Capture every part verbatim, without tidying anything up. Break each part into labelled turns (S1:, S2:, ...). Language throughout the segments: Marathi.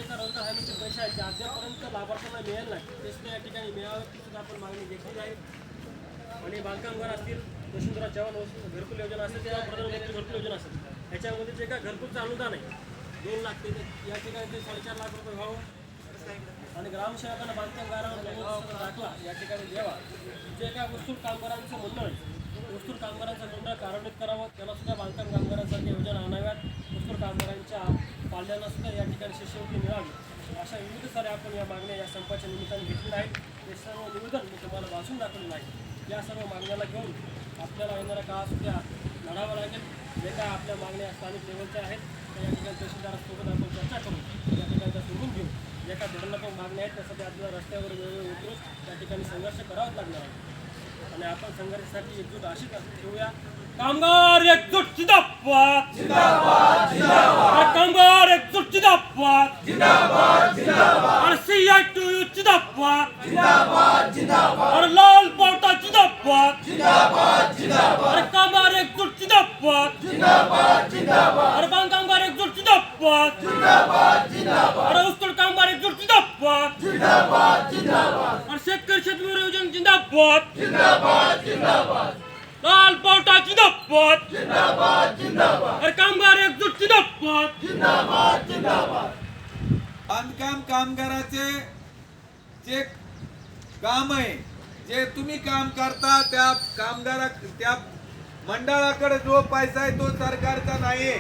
S1: सरकार रोजगार हमीचे पैसे आहेत ते अद्यापर्यंत लाभार्थ्यांना मिळेल नाही, ते सुद्धा या ठिकाणी मिळाव्याची सुद्धा आपण मागणी घेतली आहे. आणि बांधकामगार असतील, वसुंधरा चव्हाण घरकुल योजना असेल किंवा प्रधानमंत्री घरकुल योजना असेल, याच्यामध्ये जे काय घरकुलचं अनुदान आहे दोन लाख ते या ठिकाणी ते साडेचार लाख रुपये व्हावं आणि ग्रामसेवकांना बांधकामगारांवर दाखला या ठिकाणी द्यावा. जे काय वस्तूर कामगारांचं म्हणणं आहे वस्तूर कामगारांचा मंडळ कार्यान्वित करावं, त्याला सुद्धा बांधकाम कामगारांसारख्या योजना आणाव्यात. वस्तूर कामगारांच्या पाल्यांना सुद्धा या ठिकाणी शिष्यवृत्ती मिळावी. अशा विविध साऱ्या आपण या मागण्या या संपाच्या निमित्ताने घेतलेल्या आहेत. हे सर्व निवेदन मी तुम्हाला वाचून दाखवलेलं आहे. या सर्व मागण्याला घेऊन आपल्याला येणाऱ्या काळात सुद्धा लढावं लागेल. जे काय आपल्या मागण्या स्थानिक लेवलच्या आहेत त्या या ठिकाणी तहसीलदारासोबत आपण चर्चा करून या ठिकाणी त्या सोडून घेऊ. ज्या काही धोरणात्मक मागण्या आहेत त्यासाठी आपल्याला रस्त्यावर वेळोवेळी उतरून त्या ठिकाणी संघर्ष करावाच लागणार आहे. आणि आपण संघर्षासाठी एकजूट अशीच ठेवूया. कामगार एकजूट जिंदाबाद जिंदाबाद जिंदाबाद, कामगार एकजूट जिंदाबाद जिंदाबाद जिंदाबाद, और सीआईटीयू जिंदाबाद जिंदाबाद जिंदाबाद, और लाल पावटा जिंदाबाद जिंदाबाद जिंदाबाद, और कामगार एकजूट जिंदाबाद जिंदाबाद जिंदाबाद, और बांधकामगार एकजूट जिंदाबाद जिंदाबाद जिंदाबाद, और वस्तूर कामगार एकजूट जिंदाबाद जिंदाबाद जिंदाबाद, और शेतकरी शेतमजूर योजना जिंदाबाद जिंदाबाद जिंदाबाद, लाल पावटा जिंदाबाद जिंदाबाद जिंदाबाद, और कामगार एकजूट जिंदाबाद जिंदाबाद जिंदाबाद.
S2: बांधकाम कामगाराचे जे काम आहे, जे तुम्ही काम करता त्या कामगारा त्या मंडळाकडे जो पैसा आहे तो सरकारचा नाही.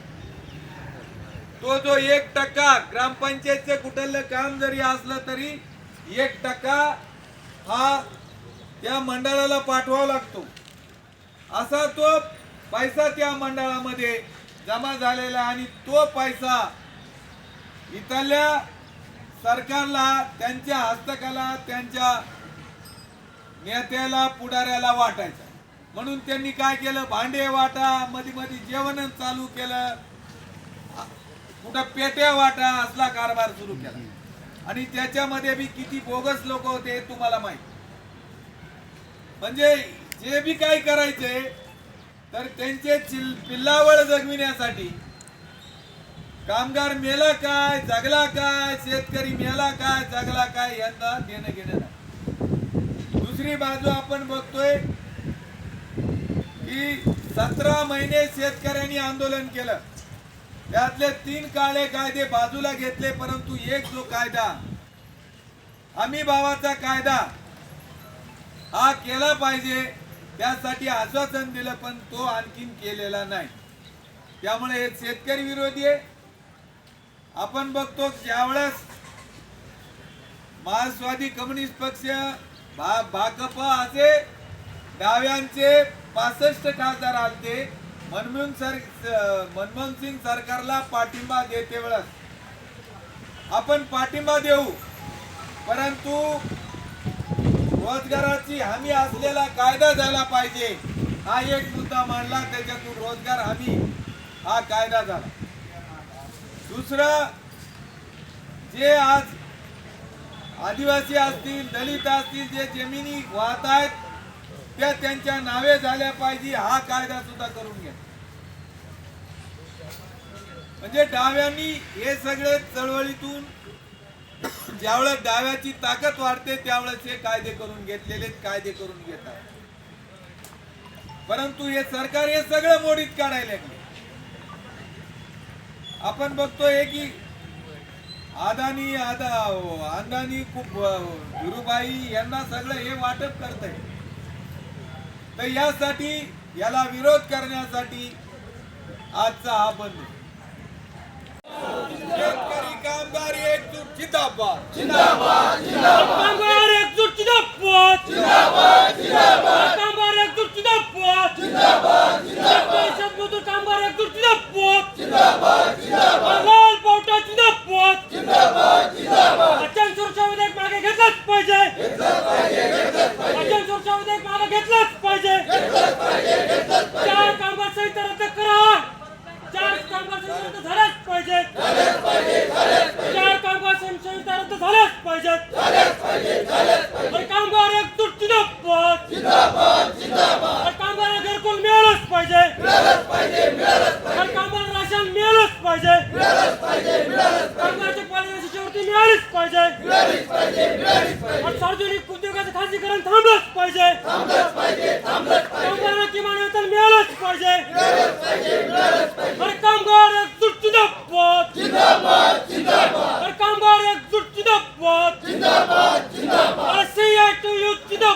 S2: तो जो एक टक्का ग्रामपंचायतचे कुठलं काम जरी असलं तरी एक टक्का हा त्या मंडळाला पाठवावा लागतो. असा तो पैसा त्या मंडळामध्ये जमा झालेला आणि तो पैसा इथल्या सरकारला त्यांच्या हस्तकाला त्यांच्या नेत्याला पुढाऱ्याला वाटायचा. म्हणून त्यांनी काय केलं, भांडे वाटा, मध्ये मध्ये जेवण चालू केलं, कुठं पेट्या वाटा असला कारभार सुरू केला. आणि त्याच्यामध्ये बी किती बोगस लोक होते हे तुम्हाला माहिती. म्हणजे जे बी काय करायचे तर त्यांचे पिल्लावळ जगविण्यासाठी कामगार मेला काय जगला काय, शेतकरी मेला काय जगला काय यांना देणं घेणं नाही. दुसरी बाजू आपण बघतोय की सतरा महिने शेतकऱ्यांनी आंदोलन केलं. त्यातले तीन काळे कायदे बाजूला घेतले, परंतु एक जो कायदा हमी भावाचा कायदा हा केला पाहिजे त्यासाठी आश्वासन दिलं, पण तो आणखीन केलेला नाही. त्यामुळे हे शेतकरी विरोधी आहे. आपण बघतो ज्यावेळेस मार्क्सवादी कम्युनिस्ट पक्ष भा भाकपा असे डाव्यांचे पासष्ट खासदार आलते. मनमोहन सर मनमोहन सिंग सरकारला पाठिंबा देते वेळेस आपण पाठिंबा देऊ, परंतु रोजगाराची हमी असलेला कायदा झाला पाहिजे हा एक मुद्दा मांडला. त्याच्यातून रोजगार हमी हा कायदा झाला. दुसरं, जे आज आदिवासी असतील दलित असतील जे जमिनी वाहत आहेत त्या त्यांच्या नावे झाल्या पाहिजे हा कायदा सुद्धा करून घ्या. म्हणजे डाव्यांनी हे सगळे चळवळीतून ज्यावेळेस डाव्याची ताकद वाढते त्यावेळेस हे कायदे करून घेतलेले कायदे करून घेतात. परंतु हे सरकार हे सगळं मोडीत काढायला लागले. आपण बघतोय की अदानी आदा अंदानी खूप धीरूभाई यांना सगळं हे वाटप करत आहे. तर यासाठी याला विरोध करण्यासाठी आजचा हा बंद. शेतकरी कामगार एकजूट जिंदाबाद जिंदाबाद जिंदाबाद,
S1: कामगार एकजूट जिंदाबाद
S2: जिंदाबाद जिंदाबाद,
S1: कामगार एकजूट जिंदाबाद
S2: जिंदाबाद
S1: शेतकरी शेतमजूर कामगार एकजूट जिंदाबाद
S2: जिंदाबाद जिंदाबाद,
S1: लाल पावटा जिंदाबाद
S2: जिंदाबाद जिंदाबाद.
S1: अत्यंत सुरक्षा विधेयक मागे घेतलंच पाहिजे
S2: घेतलंच पाहिजे घेतलंच पाहिजे
S1: अत्यंत सुरक्षा विधेयक मागे घेतलंच पाहिजे
S2: घेतलंच पाहिजे घेतलंच पाहिजे.
S1: चार कामगार संहिता रद्द करा. चार कामगार संहिता रद्द झाल्याच पाहिजे
S2: झालंच पाहिजे झालंच पाहिजे
S1: चार कामगार संहिता रद्द झाल्याच पाहिजेत.
S2: झालंच पाहिजे झालंच पाहिजे.
S1: और कामगार एकजूट जिंदाबाद
S2: जिंदाबाद जिंदाबाद,
S1: और कामगार घरकुल मिळालंच पाहिजे
S2: मिळालंच पाहिजे मिळालंच पाहिजे
S1: और कामगार राशन मिळालंच पाहिजे.
S2: मिळालंच पाहिजे मिळालंच पाहिजे.
S1: कामगारच्या पालिकेची मिळालीच पाहिजे आणि सार्वजनिक उद्योगाचं खासगीकरण थांबलंच पाहिजे कामगारांना किमान वेतन मिळालंच पाहिजे अरे कामगार एकजूट जिंदाबाद अरे कामगार एकजूट जिंदाबाद अरे सीआयटीयू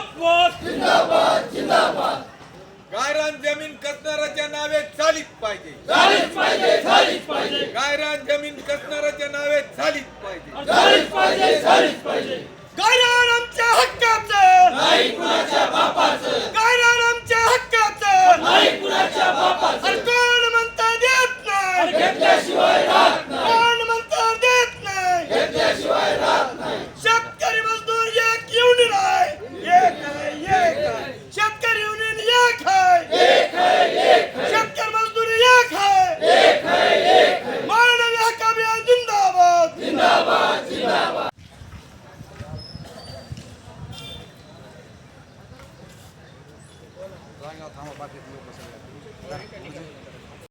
S1: जिंदाबाद
S2: गायरान जमीन कसणाऱ्याच्या नावे झालीच पाहिजे
S1: झालीच पाहिजे झालीच पाहिजे
S2: गायरान जमीन कसणाऱ्याच्या नावे झालीच पाहिजे
S1: झालीच पाहिजे झालीच पाहिजे
S2: गायरान आमच्या हक्काचं
S1: नाही कुणाच्या बापाचं
S2: गायरान आमच्या हक्काचं
S1: नाही कुणाच्या बापाचं
S2: अरे कोण म्हणता देत नाही
S1: अरे घेतल्याशिवाय राहत नाही
S2: कोण म्हणता देत नाही
S1: घेतल्याशिवाय राहत नाही
S2: शेतकरी मजदूर एक युनियन आहे एक आहे एक आहे शेतकरी युनियन एक आहे
S1: एक है एक है
S2: शेतकरी मजदूर एक आहे
S1: एक है एक है
S2: मानवी हक्क अभियान जिंदाबाद
S1: जिंदाबाद जिंदाबाद
S2: थांबा बाकी लोक